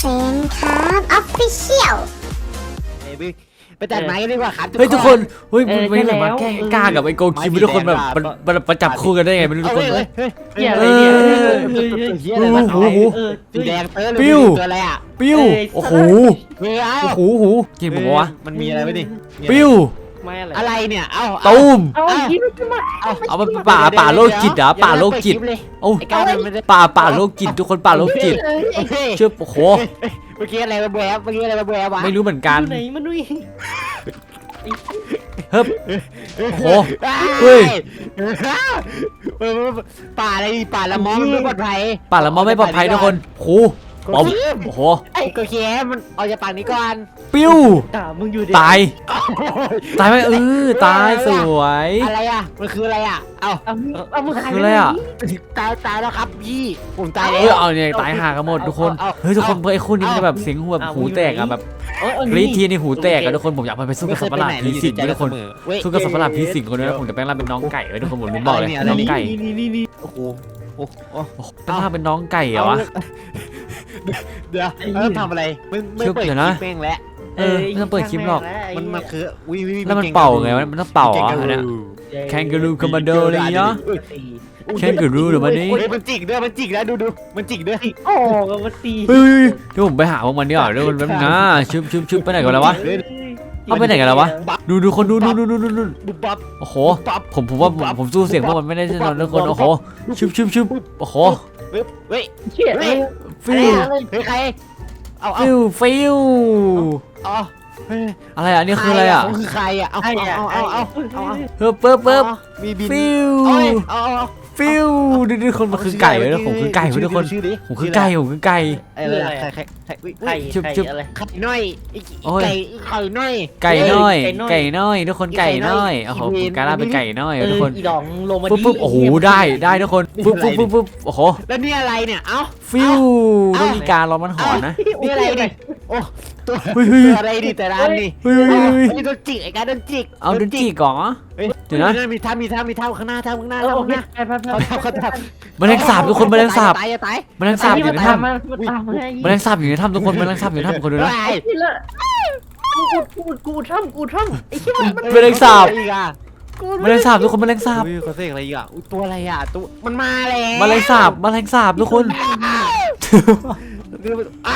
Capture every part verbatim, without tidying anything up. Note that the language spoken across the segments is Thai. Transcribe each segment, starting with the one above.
ฟนครับออฟฟิเชียลไปตัดไม้กันดีกว่าครับเฮ้ยทุกคนเฮ้ยมันไม่ได้มาแกล้งกล้ากับไอ้โกคิมทุกคนแบบมันมันประจับคู่กันได้ไงไม่รู้ทุกคนเฮ้ยเหี้ยอะไรเนี่ยเฮียอะไรวะโอ้โหสีแดงเตอร์ปิ้วตัวอะไรอ่ะปิ้วโอ้โหเฮ้ยโอ้โหโอ้โหกินผมวะมันมีอะไรไหมดิปิ้วไม่อะไรอะไรเนี่ยเอ้าตูมเอายิ้มขึ้นมาเอามันป่าป่าโลกจิตเหรอป่าโลกจิตโอ้ไอ้ก้าวมันไม่ได้ป่าป่าโลกจิตทุกคนป่าโลกจิตเชื่อโอ้โหเมื่อกี้อะไรมาแบวเมื่อกี้อะไรมาแบววะไม่รู้เหมือนกันไหนมันด้วยเฮ้ยโอ้โหเฮ้ยป่าอะไรป่าละมอมันไม่ปลอดภัยป่าละมอไม่ปลอดภัยทุกคนโอ้โหปอมโอ้โหไอ้ก็แค่มันออกจากปากนี้ก่อนปิ้วอ่ามึงอยู่ดิตายตายไหมเออตายสวยอะไรอ่ะมันคืออะไรอ่ะเอ้าเอามึงเอามึงหายคืออะไรอ่ะตายตายแล้วครับพี่ผมตายเอแล้อวเอาเนี่ยตายห่ากันหมดทุกคนเฮ้ยทุกคนเพื่อไอ้คู่นี้มันจะแบบเสียงหูแบบหูแตกอะแบบกรี๊ดทีนี่หูแตกอะทุกคนผมอยากไปสู้กับสัตว์ประหลาดผีสิงทุกคนสู้กับสัตว์ประหลาดผีสิงคนนี้แล้วผมจะแปลงร่างเป็นน้องไก่ไว้ทุกคนผมลืมบอกเลยน้องไก่นี่นี่นี่โอ้โหโอ้โหแปลงร่างเป็นน้องไก่เหรอวะเดี๋ยวเออทำอะไรไม่ไม่เปิดคลิปแม่งแล้วเออไม่ต้องเปิดคลิปหรอกมันมันคือวิวแล้วมันเป่าไงวะมันต้องเป่าเหรออันเนี้ย แคนการูคอมมานโดอะไรอย่างเงี้ย แคนการูหรือมันนี่เฮ้ยมันจิกด้วยมันจิกแล้วดูดูมันจิกด้วยโอ้กับมันตีเฮ้ยเดี๋ยวผมไปหาพวกมันดีกว่าเดี๋ยวมันแป๊บนึงนะชึบชึบชึบไปไหนกันแล้ววะ เอาไปไหนกันแล้ววะดูดูคนดูดูดูดูดูดูบุบบับโอ้โหปั๊บผมผมว่าผมผมสู้เสียงพวกมันไม่ได้แน่นอนทุกคนโอ้โหชึบชึบชึบโอ้โหเฮ้ยเฮ้ยเชี่ยเลยฟิวเฮ้ยใครเอาเอาฟิวฟิวเอาเฮ้ยอะไรอ่ะนี่คืออะไรอ่ะคือใครอ่ะเอาเอาเอาเอาเอาเอาเฮ้ยเปิ๊บเปิ๊บมีบินฟิวเอาเอาฟิวดูดูคนมันคือไก่เลยนะผมคือไก่ทุกคนผมคือไก่ผมคือไก่อะไรใครใครใครไข่ชุบไข่ชุบอะไรไข่น้อยโอ้ยไก่ไข่น้อยไก่น้อยไก่น้อยไก่น้อยทุกคนไก่น้อยโอ้โหผมกลายเป็นไก่น้อยทุกคนอีดองลงมาปุ๊บปุ๊บโอ้โหได้ได้ทุกคนปุ๊บปุ๊บปุ๊บปุ๊บโอ้โหแล้วนี่อะไรเนี่ยเอ้าฟิวต้องมีการร้องมันหอนนะนี่อะไรเนี่ยโอ้ตัวเฮ้ยเฮ้ยอะไรดิแต่ร้านนี่เฮ้ยเฮ้ยเฮ้ยนี่โดนจิกไอ้การโดนจิกเอาดนตรีก่อน เดี๋ยวนะมีท่ามีท่ามีท่าข้างหน้าท่าข้างหน้าเออท่าโอข้างเคหน้าไปไปไปเขาทำเขาทแมลงสาบทุกคนแมลงสาบตายจะตายแมลงสาบอยู่ในถ้ำมันตามมาแมลงสาบอยู่ในถ้ำทุกคนแมลงสาบอยู่ในถ้ำคนดูนะตายนี่ละกูกูกูทำกูทำไอ้เชี่ยมันแมลงสาบอีกอ่ะแมลงสาบทุกคนแมลงสาบเฮ้ยเขาเสกอะไรอีกอ่ะอุ๊ยตัวอะไรอ่ะตัวมันมาแล้วแมลงสาบแมลงสาบทุกคนอ้า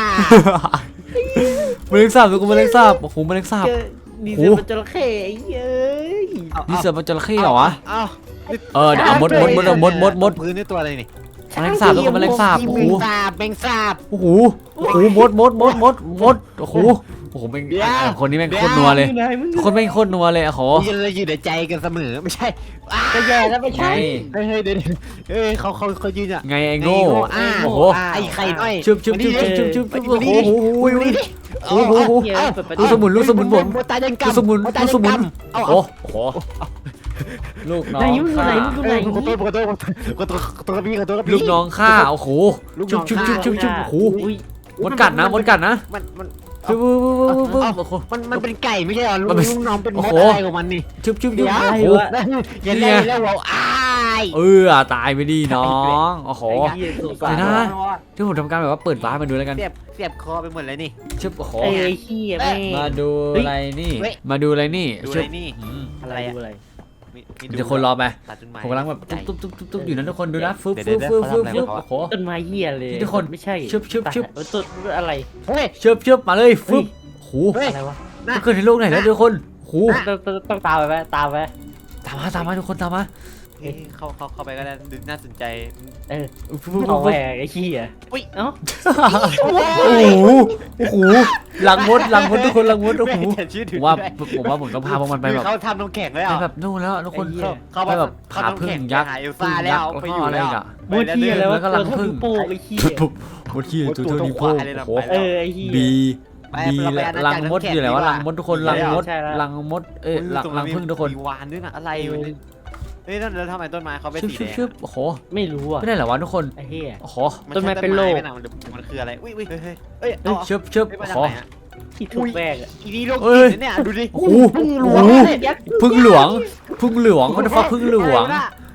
แมลงสาบทุกคนแมลงสาบโอ้โหแมลงสาบนี่จะเป็นจระเข้ไอ้เย้ยนี่เสือมันจระเข้เหรอวะเอ้าเออเดี๋ยวเอามดมดมดมดมดมดพื้นนี่ตัวอะไรนี่แมลงสาบทุกคนแมลงสาบแมโอ้โหงสาบแมงสาบโอ้โหโอ้โหมดมดมดมดมดโอ้โหโอ้โหแม่งเดี๋ยวคนนี้แม่งโคตรนัวเลยคนแม่งโคตรนัวเลยโอ้โหยืนเลยอยู่ในใจกันเสมอไม่ใช่จะแย่แล้วไม่ไงใช่เฮ้ยเฮ้ยเดี๋ยวเฮ้ยเขาเขาเขายืนอ่ะไงไอ้โง่อ่าโอ้โหไอ้ไข่น้อยชุบชุบชุบชุบชุบชุบโอ้โหโอ้โห โอ้โหเปิดประตูลูกสมุนลูกสมุนผมตาเดินกำลูกสมุนตาลูกเดิสมุนกำเอาโอ้เอาโหลูกน้อไหนงมึงข้าไหนมึงไหนขอโทษขอโทษขอโทษขอโทษขอโทษพี่ขอโทษพี่ลูกน้องข้าโอ้โหลูกน้ชุอบ งชุบข้าชุบชุบชุบโอ้โหอุ้ยมดกัดนะมดกัดนะมันมันชุบปุ๊บปุ๊บปุ๊บปุ๊บโอ้โหมันมันเป็นไก่ไม่ใช่เหรอลูมันกเป็นลูกน้องเป็นมโอ้ดโหอะไรของมันนี่ชุบชุบชุบเดี๋ยวโอ้โหอย่าได้แล้วเราอ้ายเออตายไปดิน้องโอ้โหไอ้เหี้ยสุดเดี๋ยวนะ ที่ผมทำการแบบว่าเปิดวาร์ปมาดูแล้วกันเสียบเสียบคอไปหมดเลยนี่ชุบโอ้โหไอ้เหี้ยแม่งมาดูอะไรนี่มาดูอะไรนี่ดูชุอะไรบนี่อืมอะไรอะอะไรมีมีเดี๋ยวคนรอไปตัดต้นไม้ผมกำลังแบบตุ๊บตุ๊บตุ๊บตุ๊บอยู่นะทุกคนดูนะฟึบเดี๋ฟึยวบเดี๋ฟึยวบฟึบเขาทำอะไรฟึบของเขาโอ้โหต้นไม้เหี้ยเลยทุกคนไม่ใช่ชึบชึบชึบต้นอะไรเฮ้ยเชิบเชิบมาเลยฟึบโหเฮ้ยอะไรวะมันเกิดในโลกไหนแล้วทุกคนโหต้องต้องต้องตามไปไหมตามไปตามมาตามมาทุกคนตามมาเอ้ยเข้าเข้าเข้าไปก็ได้ดูน่าสนใจเออฟึบฟึบเอาฟึแหวบกไอ้เหี้ยอุ๊ยเอ้าโอ้โหโอ้โหหลังมดหลังมดทุกคนหลังมดโอ้โหแม่ชื่อผถึงมว่าด้วยผมว่าผมต้องพาพวกมันไปแบบเขาทำน้ำแข็งเลยไปอ่ะแบบนู่นแล้วทุกคนเขาไปแบบผาพึ่งยักษ์หาเอลพึ่ซ่าง แล้ยักวษ์แล้วไปก็อยู่อะไรแล้วอ่ะมดเหี้ยแล้วแล้วก็รังผึ้งโป่งไอ้เหี้ยปุ๊บมดขี้ตัวเท่านิ้วโป้งโอ้โหเออไอ้เหี้ยบีไปบีเราไปและอาณารัจังกรมดน้ำแข็งอยู่ไหนวะดีกว่ารังมดทุกคนรังมดใช่แล้วรังมดเอ้ยรังรังผึ้งทุกคนมีวานด้วยนะอะไรอยู่เนี่ยเฮ้ยแล้วทำไมต้นไม้เขาเป็นชึบสีชึบแดงชึบโอ้โหไม่รู้อ่ะไม่ได้เหรอวะทุกคนไอ้เหี้ยโอ้โหต้นไม้เป็นโลกมันคืออะไรอุ้ยอุ้ยเฮ้ยเฮ้ยเฮ้ยเอ้ยชึบชึบมาโอ้จากโหไหนอ่ะที่ถูกแบกอ่ะอีนี่โลกเอ้ยเนี่ยดูดิโอ้โหโอ้โหพึ่งหลวงพึ่งหลวงมันฟ้าพึ่งหลวง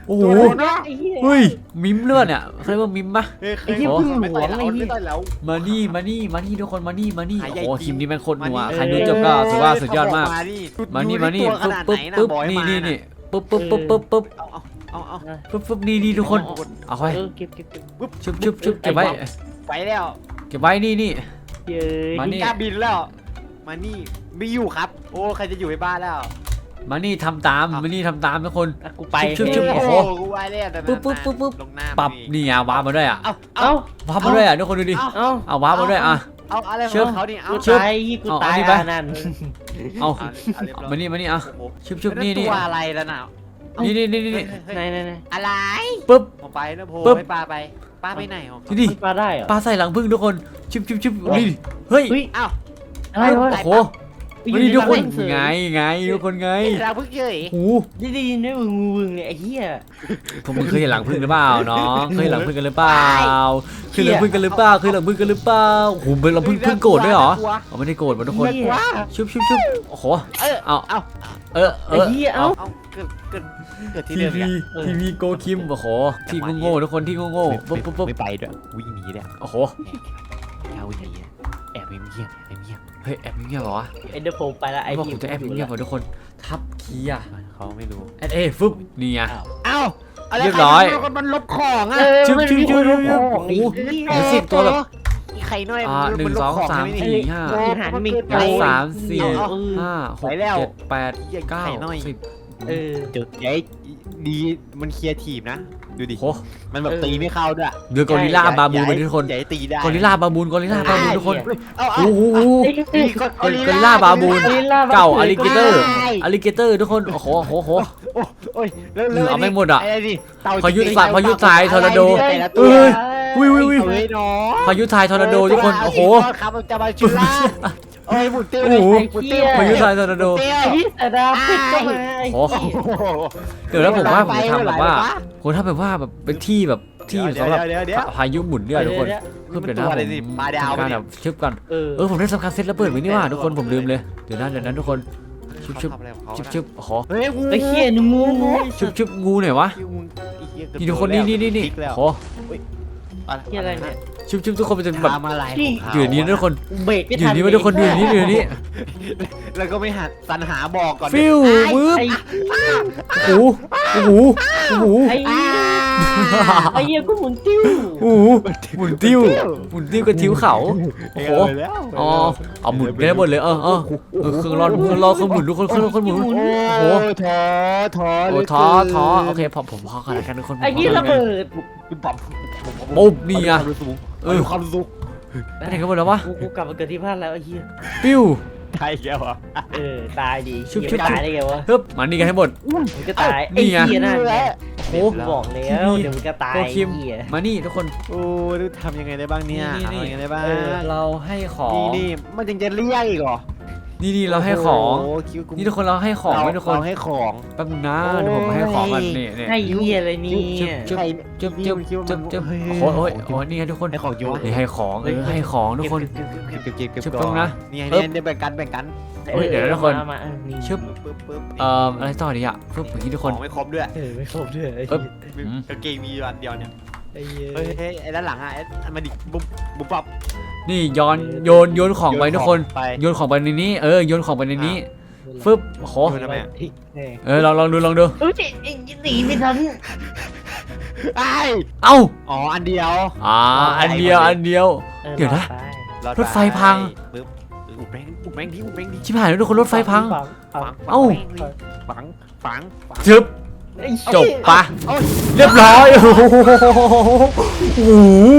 โอ้โหไอ้เหี้ยเฮ้ยมิมเลือดเนี่ยเขาเรียกว่ามิมปะเฮ้ยไอ้เหี้ยพึ่งหลวงไม่ต่อยแล้วไอ้เหี้ยไม่ต่อยแล้วมานี่มานี่มานี่ทุกคนมานี่มานี่หายใหญ่โอ้โหจริงทีมนี้แม่งโคตรหนัวมานี่ใครดูจบก็ถือว่าสุดยอดมากมานี่มานี่มานี่ดูปึ๊บตัวขนาดปึ๊บไหนนะปึ๊บบอยนี่มานี่นี่นี่ปึ๊บปึ๊บปึ๊บปึ๊บปึ๊บเอาเอาเอาเอาปึ๊บปึ๊บนี่นี่ทุกคนเอาไว้เออเก็บเก็บเก็บชุบชุบชุบเก็บไว้ไปแล้วเก็บไว้นี่นี่เย้ยมานี่กล้าบินแล้ว มานี่ไม่อยู่ครับ โอ้ใครจะอยู่ในบ้านแล้วมานี่ทำตามมานี่ทำตามทุกคนอ่ะกูไปชุบชุบโอ้โอ้โหโหกูไว้แล้วแต่ปึ๊บปึ๊บปึ๊บปึ๊บลงหน้าปรับนี่อ่ะว้าร์ปมาด้วยอ่ะเอาเอ้าว้าร์ปมาด้วยอ่ะทุกคนดูดิเอ้าเอาว้าร์ปมาด้วยอ่ะเอาอะไรขเชื่อองเขานี่เอากูชึบตายกูเอาตายอันนี้ไปอ่ะนั่นเอาเอาเอาเรียบร้อยมานี่มานี่อ่ะโอ้โหชุบชุบนี่นี่ตัวอะไรแล้วน่ะนี่นี่นี่นี่เฮ้ยเฮ้ยไหนไหนไหนอะไรปึ๊บผมไปนะโพปึ๊บให้ปลาไปปลาไปไหนของเขานี่ดิมันปลาได้เหรอปลาใส่หลังพึ่งทุกคนชุบชุบชุบนี่ดิเฮ้ยเฮ้ยอ้าวอะไรวะโอ้โหมานี่ทุกคนไงไงทุกคนไงเราเพิ่งเจอโอ้โหได้ได้ยินได้วึงวึงเลยไอ้เหี้ยพวกมึงเคยเห็นหลังพึ่งหรือเปล่าน้องเคยเห็นหลังพึ่งกันหรือเปล่าเคยเห็นหลังพึ่งกันหรือเปล่าเคยเห็นหลังพึ่งกันหรือเปล่าโอ้โหเป็นหลังพึ่งพึ่งโกรธด้วยเหรอเอาไม่ได้โกรธมันทุกคนเหี้ยชุบชุบชุบโอ้โหเออเอาเอาเออเอไอ้อเหี้ยเอ้าเอาเกิดเกิดเกิดที่ทีเดิมวีเนี่ยทีวีโกคิมโอ้โหที่โง่ๆทุกคนที่โง่ๆปุ๊บปุ๊บปุ๊บไม่ไปด้วยวิ่งหนีเลยโอ้โหเอาวิ่งหนีแอบเงียบแอบเงียบเฮ้ยแอบเงียบเหรอวะเอ็นเดอร์โพไปละไอ้ไอ้บอกเหี้ผมจะแอบเงียบเหรอทุกคนทับคีย์อะเขาไม่รู้แอดเอฟึบนี่ไงเอ้าอะไรเรียบร้อยใคทำมันลบของอ่ะเออชุบมันชุบมีชุคบนชุรู้บของไอ้โอ้โหเหี้ยเดี๋ยวสิบตัวแบบไข่น้อยอ่าหนึ่งสองสามสี่ห้าอาหารมีหไก่นึ่งสามสี่เออห้าหกเจ็ดแปดเก้าสิบเออจุดใหญ่ดีมันเคลียร์ทีมนะดูดิโอ้มันแบบตีไม่เข้าด้วยเดือกอริลล่าบาบูนทุกคนใหญ่ตีได้กอริลล่าบาบูนกอริลล่าบาบูนทุกคนเอาเอาโอ้โหไอ้เหี้ยกกอริลล่าบาบูนกอริลลาบาบูนเก่าอลิเกเตอร์อลิเกเตอร์ทุกคนโอ้โหโอ้โหโอ้ยแล้วเออเอาไม่หมดอะไอ้นี่เต่พายุสายพายุสายทอร์นาโดแต่ละเอ้ตัวยวิววิววิวเฮ้ยน้องพายุทายทอร์นาโดทุกคนโอ้โหครับมันจะมาชุล่าโอ้ยหมุนติ้วโอ้โหหมุนติ้วพายุทายทอร์นาโดเตี้ยไอ้เหี้ยแต่ดาวพิษก็มาไอ้โอ้เหี้ยโอ้โหเดี๋ยวแล้วผมว่าผมจะทำแบบว่าผมทำแบบว่าแบบเป็นที่แบบที่เดี๋ยวสำหรับเดี๋ยวเดี๋ยวพายุหมุนเนี่ยทุกคนเดี๋ยวเพื่อเดี๋ยวนะมันตัวอะไรผมสิปลาดาวทำการปะเนี่แบยบชึบกันเออเออผมได้สำคัญเซตแล้วเปิดไว้นี่ว่าทุกคนผมลืมเลยเดี๋ยวนะเดี๋ยวนั้นทุกคนชึบชึบเขาทำอะไรของเขาชึบนะชึบโอ้โหเฮ้ยงูไอ้เหี้ยหนูงูงูชึบชึบงูหน่อยวะงูไอ้เหี้ยเกือบนี่ทุกคนนี่นี่นี่นี่พลิกแล้วโอ้โหเหี้ยอะไรเนี่ยชึบชึบทุกคนมันจะแบบทำอะไรนี่ของเขาอยู่อย่างนี้นะทุกคนเบรกไม่อยู่ทัอน ย่างนี้ไว้ทุกคนอยู่อย่างนี้อยู่อย่างนี้แล้วก็ไม่หัดสรรหาบอกก่อนฟิววืบไอ้โอ้โหโอ้โหโอ้โหไอ้เหี้ยไอ้เหี้ยกูหมุนติ้วโอ้โหหมุนติ้วหมุนติ้วกับทิ้วเขาโอ้โหเแล้วอ๋อเอาหมุนไปได้หมดเลยเออเออเออเครื่องร้อนเครื่องร้อนเครื่องหมุนทุกคนเครื่องร้อนเครื่องหมุนโอ้โอ้โหท้อท้อโอ้ท้อท้อโอเคพอผมพอกันแล้วกันทุกคนไอ้เหี้ยระเบิดปั๊บปุ๊บนี่ไงเออความสุขไปไหนกันหมดแล้ววะกูกูกลับมาเกิดที่บ้านแล้วไอ้เหี้ยปิ้วใช่แกวะเออตายดีชุบเหี้ยชุบตายได้ไงวะเฮ้ยมานี่กันให้หมดมึงก็ตายนี่ไอ้ไงเหี้ยนั่นไงโอ้กูบอกแล้วเดี๋ยวมึงก็ตายโปรคิมไอ้เหี้ยมานี่ทุกคนโอ้ดูทำยังไงได้บ้างเนี่ยนี่นี่ทำยังไงได้บ้างเออเราให้ของนี่นี่มันยังจะเรียกอีกเหรอนี่นี่เราให้ของโอ้คิ้วกูนี่ทุกคนเราให้ของไว้ทุกคนเราให้ของแป๊บนึงนะเดี๋ยวผมให้ของกันนี่นี่ไอ้เหี้ยอะไรเนี่ยจุ๊บใครจุ๊บจุ๊บคิ้วจุ๊บจุ๊บเฮ้ยโอ้โหโอ้ยโอ้ยนี่ไงทุกคนให้ของเยอะนี่ให้ของเออให้ของทุกคนเก็บเก็บเก็บเก็บชึบก่ตรงนะนี่ไงเอิบเนี่ยแบ่งกันแบ่งกันเฮ้ยเดี๋ยวนะทุกคนมามาอ่ะนี่ชึบปึ๊บปึ๊บเอ่ออะไรต่อดีอ่ะฟึบอย่างนี้ทุกคนของไม่ครบด้วยเออไม่ครบด้วยไอ้ปึ๊บเหี้ยอืมกางเกงมีอันเดียวเนี่ยไอ้เหี้ยเฮ้ยเฮ้ยไอ้ด้านหลังอ่ะไอ้อันมาดิบุ๊บบุ๊บปั๊บนี่ย้อนโยนโยนของไปทุกคนไปโยนของไปในนี้เออโยนของไปในนี้ฟึบโอ้โหโยนทำไมอะเออเออลองลองดูลองดูเอ้ยไอ้หนีไม่ทันไอ้เอ้าอ๋ออันเดียวอ่าอันเดียวอันเดียวออเดี๋ยวนะรอดไปอดรถไฟพังปึ๊บอุดแม่งอุดแม่งดิอุดแม่งดิชิบหายแล้วทุกคนรถไฟพังฝังฝัฝังงเอ้าฝังฝังฝังจึบไอ้จบปะโอ้ยเรียบร้อยโอ้โหโอ้โห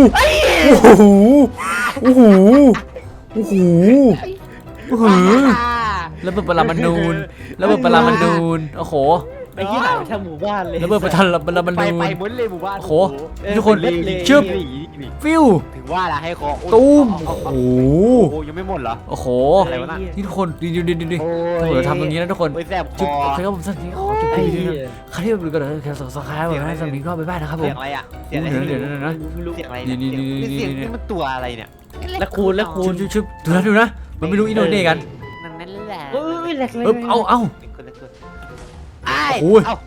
โอ้โหโอ้โหโอ้โหแล้วเปิดปรามานูนแล้วเปิดปรามานูนโอ้โหไอ้ที่หายไปทั้งหมู่บ้านเลยแล้วเปิดปรามามาไปนูไปนหมดเลยหมู่บ้านโอ้โหเออทุกคนหมดเลยชึบนี่นี่ฟิวถึงว่าละให้คอโอ้ยตูมเอาโอ้เอาโหโอ้ยยังไม่หมดเหรอโอ้โหอะไรวะน่ะนี่ทุกคนดีดีดีดีดีโอ้ถ้าเกิดเราทำตรงนี้นะทุกคนโอ้ยแสบคจุดอโอเคครับผมสักทีขอจุดไอ้ดีเหี้ดียใครที่ดูกันเลยแค่สองสองครั้งวันนี้สำนีก็ไปบ้านนะครับผเสียมงอะไรอ่ะเสียงอะไรเดี๋ยวเดี๋ยวเดี๋ยวนะไม่รู้เสียงอะไรนี่เนี่ยนี่นี่เสียงนี่นี่มันตัวอะไรเนี่ยแล้วคูณแล้วคูชุณบชุบชุบดูนะดูนะมันไม่รู้อินโดนีเซียกันนั่นนั่นแหละเอ้ยแหลกเลยเอ๊บเอาเอาเป็นคนละคนไอ้โอ้ยเอ้า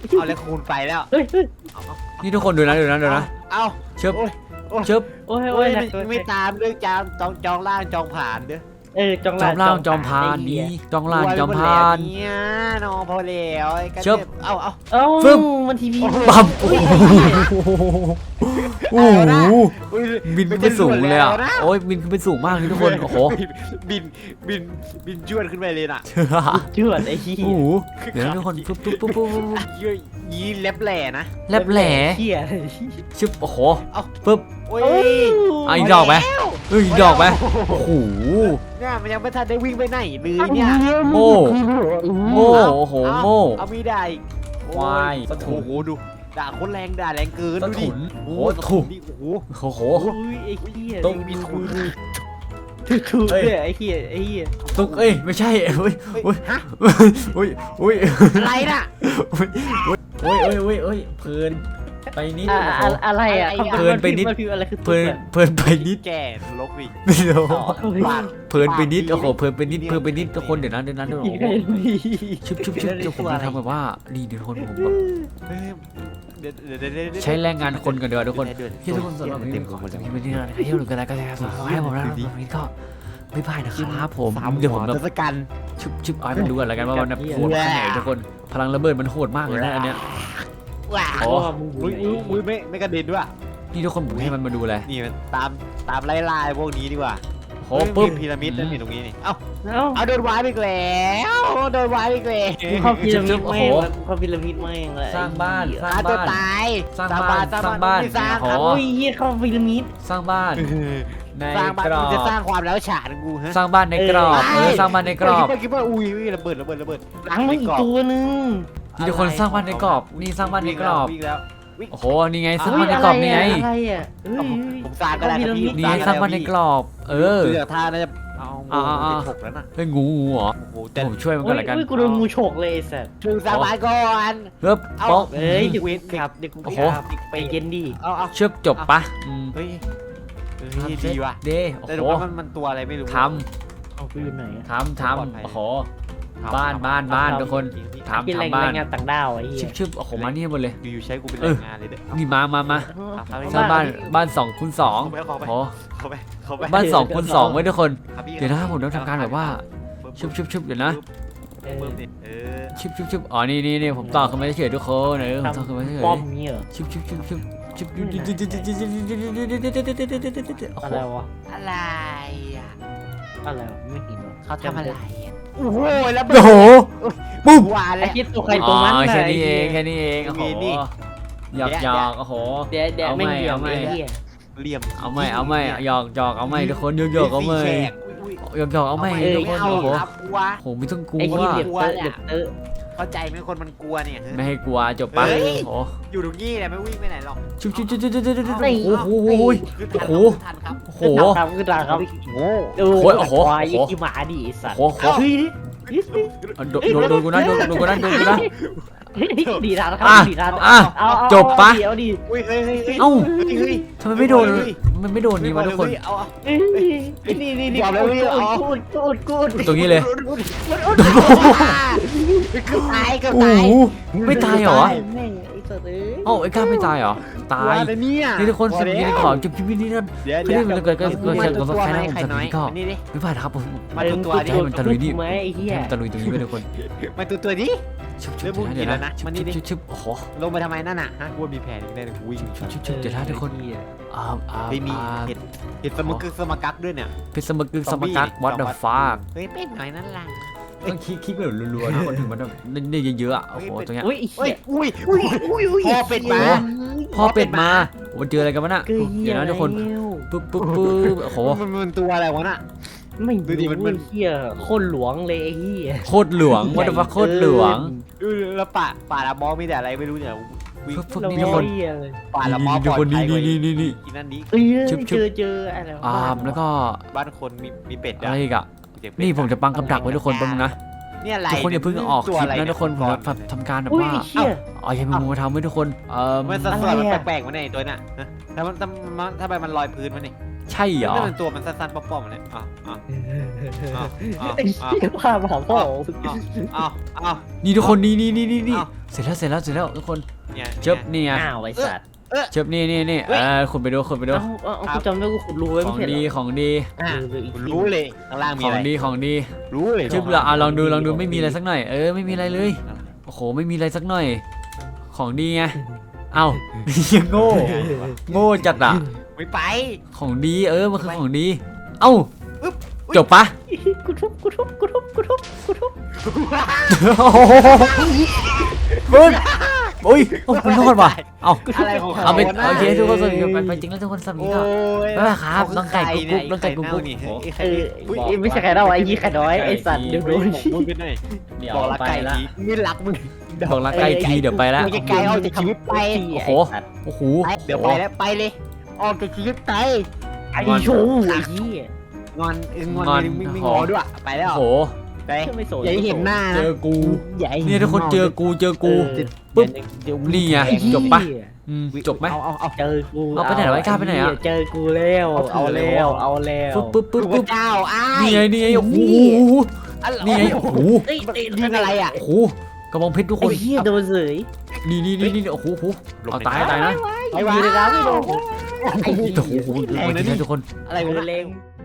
เอาแล้วคูณไปแล้วเฮ้ยเฮ้ยนี่ทุกคนดูนะดูนะดูนะเอาเชิบโอ้ยโอ้ยเชิบโอ้ยโอ้โอ้ยยหนัไม่กเกินไม่ตามเรื่องจามจองจองล่างจองผ่านเด้อเออจองจอมล่างจอมพานนี้จองล่างจอมพานเนี่ยน้องพอแล้วไอ้กันเชิบเอาเอาเอ้าฟึ่มมันทีวีปั๊มโอ้โหโอ้โหอุ๊ยบินขึ้นไปสูงเลยอ่ะโอ้ยบินขึ้นไปสูงมากเลยทุกคนโอ้โหบินบินบินจวดขึ้นไปเลยน่ะเชื่อไอ้ที่โอ้โหเดี๋ยวนะทุกคนปุ๊บปุ๊บปุ๊บปุ๊บปุ๊บยี่ยี่เล็บแหล่นะแลบแหล่เหี้ยชึบโอ้โหเอาปุ๊บโอ้ยอ่ะอีกดอกไหมเอ้ยอีกดอกไหมโอ้โหเนี่ยมันยังไม่ทันได้วิ่งไปไหนเลยเนี่ยโม่โม่โอ้โหโม่เอามีได้อีกควายโอ้โหดูด่าคนแรงด่าแรงเกินสะดูดิถุนโอ้โอ้โหถุนนี่โอ้โหโอ้โหอุ้ยไอ้เหี้ยต้องมีถุนถูกเลยไอ้เหี้ยไอ้เหี้ยตุกเอ้ยไม่ใช่เอ้ยเฮ้ยฮะอุ้ยอุ้ยอะไรน่ะอุ้ยอุ้ยอุ้ยอุ้ยอุ้ยเพลินไปนิดอะโอ้โหอะไรอ่ะเพลินไปนิดมันคืออะไรคือเพลินเพลินไปนิดแก่ลกดิไม่รู้ปากเพลินไปนิดโอ้โหเพลินไปนิดเพลินไปนิดทุกคนเดี๋ยวนะเดี๋ยวนะเดี๋ยวนะโอ้โหชุบชุบชุบเดี๋ยวผมจะทำแบบว่านี่เดี๋ยวทุกคนผมแบบเฮ้ยเดี๋ยวเดี๋ยวเดี๋ยวเดี๋ยวใช้แรงงานคนกันเดี๋ยวทุกคนเดี๋ยวที่ทุกคนสำหรับวันนี้ผมขอจะมีวันนี้นะที่เราดูกันแล้วก็จะขอให้ผมนะวันนี้ก็ไม่พลาดนะครับผมสามเดี๋ยวผมหัแบบทศกัณฐ์ชุบชุบเอาให้มันดูกันแล้วกันว่ามันแบบโหดแค่ไหนทุกคนพลังระเบิดมันโหดมากเลยนะอันเนี้ยว้าโอ้อุ้ยอุ้ยอุ้ยไม่ไม่กระเด็นด้วยนี่ทุกคนผมให้มันมาดูเลยนี่มันตามตามไล่ล่าพวกนี้ดีกว่าโอ้ปุ๊บมีพีระมิดนั่นนี่ตรงนี้นี่เอ้าเอ้าเอาโดนวายไปอีกแล้วโดนวายไปอีกแล้วกูเข้าพีระมิดแม่งเข้าพีระมิดแม่งเลยสร้างบ้านสร้างอ่ะตัวบ้านตายสร้างบ้านสร้างบ้านไม่สร้างโอ้ครับโหโอ้ยเหี้ยเข้าพีระมิดสร้างบ้านในสร้างบ้านกรอมึงจะสร้างบความแล้วฉานกูฮะสร้างบ้านในกรอบเออสร้างบ้านในกรอบคิดว่าคิดว่าอุ้ยอุ้ยระเบิดระเบิดระเบิดหลังมันอีกตัวนึงนี่ทุกคนสร้างบ้านในกรอบนี่สร้างบ้านในกรอบวิ่งแล้ววิ่งโอ้โหนี่ไงสร้างบ้านในกรอบนี่ไงอะไรอ่ะเฮ้ยผมสร้างก็ได้ครับพี่นี่ไงสร้างบ้านในกรอบ เออเสือท่าน่าจะเอาอ่างูอ่าไปฉกแล้วน่ะเฮ้ยงูงูเหรอโอ้โหแต่ผมช่วยมันโอ้กันยละกันโอ้ยกูโดนงูฉกเลยไอ้สัสถึงสร้างบ้านก่อนเฮ้ยเอาป๊อกเอ้ยเดี๋ยวกูครับเดี๋ยวกูโอ้โหครับไปเย็นดิเอาเอาเชื่อจบปะอืมเฮ้ยเฮ้ยดีว่ะเด้โอ้แต่โหดูว่ามันมันตัวอะไรไม่รู้ทเอาไปอยู่ไหนอะำทำทปลอดภัยำโอ้โห บ้านบ้านบ้านทุกคน ถามกินแรงทำบ้านแรงงานต่างด้าวไอ้เหี้ชิยบชิบโอ้โหมานี่หมดเลยอยู่ๆใช้กูเป็นเอแรองงานเลยเด้อนี่มามามาเอาสร้างบ้านบ้านสองคูณสองเข้าไปโอ้เข้าไปเข้าไปบ้านสองคูณสองไว้ทุกคนครับพี่เดี๋ยวนะผมต้องทำการแบบว่า ชุบชุบชุบเดี๋ยวนะเออปึ๊บนี่เออชุบชุบชุบอ๋อนี่นี่นี่ผมต่อขึ้นมาเฉยๆทุกคนเออผมต่อขึ้นมาเฉยป้อมเงี้ยเหรอๆชุบชุบชุบชุบชุบโอ้อะโหไรวะอะไรอ่ะอะไรวะไม่เห็นวะเขาทำอะไรอ่ะโอ้โหแล้วโอ้โหปุ๊บวานไอ้แล้วคิดตัวใครตัวมันอ๋อน่ะแค่นี้ไหี้เอย งแค่นี้เองโอ้โหมีนี่หยอกหยอกโอ้โหเดี๋ยวเดี๋ยวเอาไม่ไม่เหี่ยวเอาไม่ไอ้เหี้ยเหลี่ยมเอาไม่เอาไม่หยอกหยอกเอาไม่ทุกคนหยอกหยอกเอาไม่สี่แฉกอุ้ยหยอกหยอกเอาไม่อุ้ยทุกคนเอาโอ้โหครับกลัวโหไม่ต้องกลัไอ้ที่วเดือดเตอะเดือดเตอะเข้าใจไหมคนมันกลัวเนี่ยฮะไม่ให้กลัวจบปะเฮ้ยโอ้โหอยู่ตรงนี้แหละไม่วิ่งไปไหนหรอกชุบชุบชุบชุบชุบชุบชุบไอ้โอ้โหคือโอ้ทันโหครับโอ้โหขึ้นตามขึ้นตามครับโง่เออโอ้ยโอ้โหควายโอ้โหยี่หมาดิไอ้สัตว์โอ้โหเฮ้ยโดนโดนโดนกูนะโดนโดนกูนะโดนกูนะดีทันครับอ่ะดีทันอ่ะเอาเอาจบปะเดี๋ยวดิอุ้ยเฮ้ยเฮ้ยเฮ้ยเอ้าเฮ้ยทำไมไม่โดนมันไม่โดนนี่วะทุกคนเอาเอาเอ้ยนี่นี่นี่ยอมแล้วพี่เอากูดกูดกูดตรงนี้เลยเกือบตายเกือบโอ้ตายโหไม่ตายเหรอแม่งไอ้สัตว์เอ้ยเอ้าไอ้ก้าไม่ตายเหรอตายว่าแต่เนี่ยนี่ทุกคนสิบวินาทีขอจุบจุบวินาทีนั้นเดี๋ยวเฮ้ยมันเกิดเกิดเกิดมาเกิดตัวเกิดตัวใครไหมนะผมใครจะน้อยนี่ก็นี่ดิไม่ผ่านครับผมมาตัวตัวดิให้มันตะลุยดิไหมไอ้เหี้ยให้มันตะลุยตรงนี้ไปทุกคนมาตัวตัวดิชุบชุเริ่บมมุ่งเดี๋ยวกินแล้วนะนะชุบมานี่ดิชุบชุบโอ้โหลงไปทำไมนั่นน่ะฮะกูว่ามีแผนอีกแน่เลยกูวิ่งชุบชุบชุบเดี๋ยวนะทุกคนอ่าอ่าไม่มีอ่าเห็ดเห็ดสมกึกสมกักด้วยเนี่ยพิสมกึกสมกัก what the fuck เฮ้ยเป็นหน่อยนั่นล่ะต้องคลิกคลิกแบบรัวๆทุกคนถึงมันแบบได้เยอะๆอ่ะโอ้โหตรงเนี้ยอุ้ยไอ้เฮ้เหี้ยยอุ้ยอุ้ยอุ้ยพ่อเป็ดมาพ่อเป็ดมาวันเจออะไรกันวะน่ะเกยเดี๋ยวนะทุกคนแล้วปึ๊บปึ๊บปึ๊บโอ้โหมันมันตัวอะไรวะน่ะไม่ดูดิมันมันไอ้เหี้ยโคตรหลวงเลยไอ้เหี้ยโคตรหลวง what the fuck โคตรหลวงดูแล้วป่าป่าละมอมีแต่อะไรไม่รู้เนี่ยวิ่งพวกพวกเรานี้ทุกคนเหี้ยเลยป่าละมอทุกคนนี่นี่นี่นี่นี่กินนั่นนี้เอ้ยชุบชุบเจอเจออะไรวะอ่าแล้วก็บ้านคนมีมีเป็ดอะไรอีกอ่ะเสียงเป็ดนี่ผมจะปังกำดักไว้ทุกคนแป๊บนึงนะเนี่ยอะไรทุกคนอย่าเพิ่งออกคลิปนะทุกคนผมจะทำการแบบอุ้ยว่าไอ้เหี้ยอ๋ออย่าเพิ่งมาทำไว้ทุกคนเอ่อมันสัดอะไรส่วนมันอะแปลกๆวะเนี่ยไอ้ตัวน่ะฮะถ้ามันถ้ามันถ้าไปมันลอยพื้นมันนี่ใช่เหรอนั่นมันตัวมันสั้นๆป้อมๆเลยอ่ะอ่ะอ่ะอ่ะไอ้เหี้ยว่ามาพ่ออ่ะอ่ะนี่ทุกคนนี่นี่นี่นี่นี่อ้าวเสร็จแล้วเสร็จแล้วเสร็จแล้วทุกคนเนี่ยเชิบนี่ไงอ้าวไอ้สัตว์เชิบนี่นี่นี่เฮ้ยเออคุณไปดูคุณไปดูเอ้าเอ้าเอ้ากูจำได้กูขุดรูไว้ขไม่องใช่เหรดีอของดีอ่ะเอออีกทีรู้เลยข้างล่างมีขออะงไรดีของดีรู้เลยชึบละอ่ะลองดูลองดูไม่มีอะไรสักหน่อยเออไม่มีอะไรเลยโอ้โหไม่มีอะไรสักหน่อย ของดีไงเอ้ายังโง่โง่จัดอ่ะไม่ไปของดีเออมันคือของดี เอ้าจบปะกูทุบกูทุบกูทุบกูทุบกูทุบโอ้โหมึงโอ้ยโอ้มันรอดว่ะเอ้าอะไรของเขาเอาไปนะโอเคทุกคนสวัสดีไปไปจริงแล้วทุกคนสวัสดีโอ้ครับยบ๊ายบายครับน้องไก่กุ๊กกุ๊กน้องไก่กุ๊กกุ๊กนี่โอ้ไอ้เอไข่ออุ๊ยไอ้ไม่ใช่ใครเล่าไอ้ยี่ไข่น้อยไอ้สัตว์เดี๋ยวโดนมึงกันหน่อยเดี๋ยวบอกรักไปไก่ละทีไม่รักมึงบอกรักไก่ทีเดี๋ยวไปแล้วมึงจะไก่เอาจากชีวิตไปโอ้โห โอ้โหไปเดี๋ยวไปแล้วไปเลยออกจากชีวิตไปไอ้ชูไอ้ยี่งอนเอองอนงอนไม่ไม่หงออด้วยไปแล้วโอ้โหไปไม่สนอย่าให้เห็นหน้าเจนะอกูอย่าให้ห็เนี่ยทุกคนเจอกูเจอกูเออปุ๊บเดี๋ยวนี่ไงแทงจบปะ อืมจบไหมเอาเอาเอาเจอกูเอาไปไหนวะไอ้กล้าไปไหนอะเจอกูแล้วเอาแล้วเอาแล้วปุ๊บปุ๊บปุ๊บพระปุ๊บเจ้าอ้ายนี่ไงนี่ไงโอ้โหอะไรนี่ไงโอ้โหเอ้ยเอ้ยยิงอะไรอ่ะโอ้โหกระบองเพชรทุกคไอ้นเหี้ยโดนเสยนี่นี่นี่นี่โอ้โหโอ้โหเอาตายตายนะไอ้วะอยู่ในน้ำไม่โดนโอ้โหโอ้โหทุกคนอะไรโดวะนทุกคนอะไรวะเล็ง